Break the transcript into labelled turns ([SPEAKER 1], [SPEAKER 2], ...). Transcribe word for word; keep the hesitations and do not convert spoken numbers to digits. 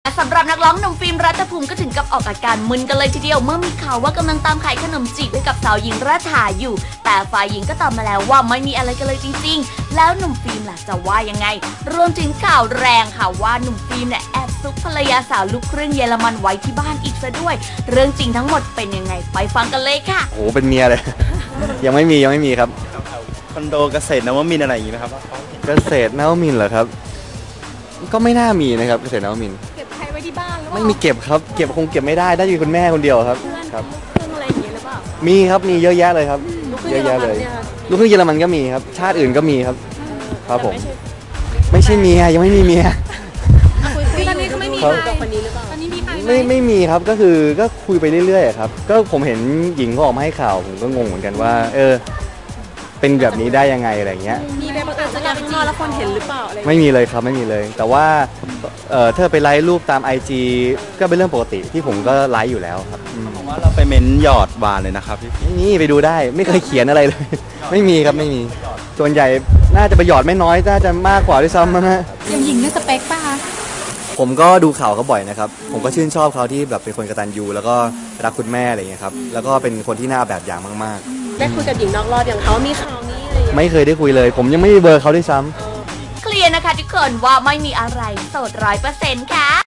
[SPEAKER 1] สำหรับนักร้องหนุ่มฟิล์มรัฐภูมิก็ถึงกับออกอาการมึนกันเลยทีเดียวเมื่อมีข่าวว่ากำลังตามขายขนมจีบให้กับสาวหญิงรัฐาอยู่แต่ฝ่ายหญิงก็ตอบมาแล้วว่าไม่มีอะไรกันเลยจริงๆแล้วหนุ่มฟิล์มล่ะจะว่ายังไงรวมถึงข่าวแรงค่ะว่าหนุ่มฟิล์มเนี่ยแอบซุกภรรยาสาวลูกครึ่งเยอรมันไว้ที่บ้านอีกซะด้วยเรื่องจริงทั้งหมดเป็นยังไงไปฟังกันเลยค่ะ
[SPEAKER 2] โอ้เป็นเมียเลย ยังไม่มียังไม่มีครับ
[SPEAKER 3] คอนโดเกษตรนวมินทร์อะไรอย่างงี้ไหมครับ
[SPEAKER 2] เกษตรนวมินทร์เหรอครับก็ไม่น่ามีนะครับเกษตรนวมินทร์
[SPEAKER 4] เก็บใครไว้ที่บ้านหรือเปล่า
[SPEAKER 2] ไม่มีเก็บครับเก็บคงเก็บไม่ได้ได้อยู่คุณแม่คนเดียวครับครับ
[SPEAKER 4] เพื่อนอะไรอย่างเงี้ยหรือเปล่า
[SPEAKER 2] มีครับมีเยอะแยะเลยครับเยอะแยะเลยลูกครึ่งเยอรมันก็มีครับชาติอื่นก็มีครับครับผมไม่ใช่เมียยังไม่มีเมีย
[SPEAKER 4] คือตอนนี้ก็ไม่มีใครกับคนนี้หรือเปล่าตอนนี้มีใคร
[SPEAKER 2] ไม่ไม่มีครับก็คือก็คุยไปเรื่อยๆครับก็ผมเห็นหญิงเขาออกมาให้ข่าวผมก็งงเหมือนกันว่าเออเป็นแบบนี้ได้ยังไงอะไรเงี้ย
[SPEAKER 4] มีไปประกาศสัญญาข้างนอกแล้วคนเห็นหรือเปล่าอะไร
[SPEAKER 2] ไม่มีเลยครับไม่มีเลยแต่ว่าเอ่อถ้าไปไลฟ์รูปตาม ไอ จี ก็เป็นเรื่องปกติที่ผมก็ไลฟ์อยู่แล้วครับ
[SPEAKER 3] ผมว่าเราไปเม้นหยอดบานเลยนะครับพี่
[SPEAKER 2] นี่ไปดูได้ไม่เคยเขียนอะไรเลยไม่มีครับไม่มีส่วนใหญ่น่าจะไปหยอดไม่น้อยน่าจะมากกว่าด้วยซ้ำนะ
[SPEAKER 4] ยังหญิงด้วยสเปคป่ะ
[SPEAKER 2] ผมก็ดูข่าวเขาบ่อยนะครับผมก็ชื่นชอบเขาที่แบบเป็นคนกตัญญูแล้วก็รักคุณแม่อะไรอย่างเงี้ยครับแล้วก็เป็นคนที่น่าแบบอย่างมาก
[SPEAKER 4] ๆได้คุยกับหญิงนอกรอบอย่างเขามีข่าวนี้อะไร
[SPEAKER 2] ไม่เคยได้คุยเลยผมยังไม่มีเบอร์เขาด้วยซ้
[SPEAKER 1] ำเคลียร์นะคะทุกคนว่าไม่มีอะไรโสดร้อยเปอร์เซ็นต์ค่ะ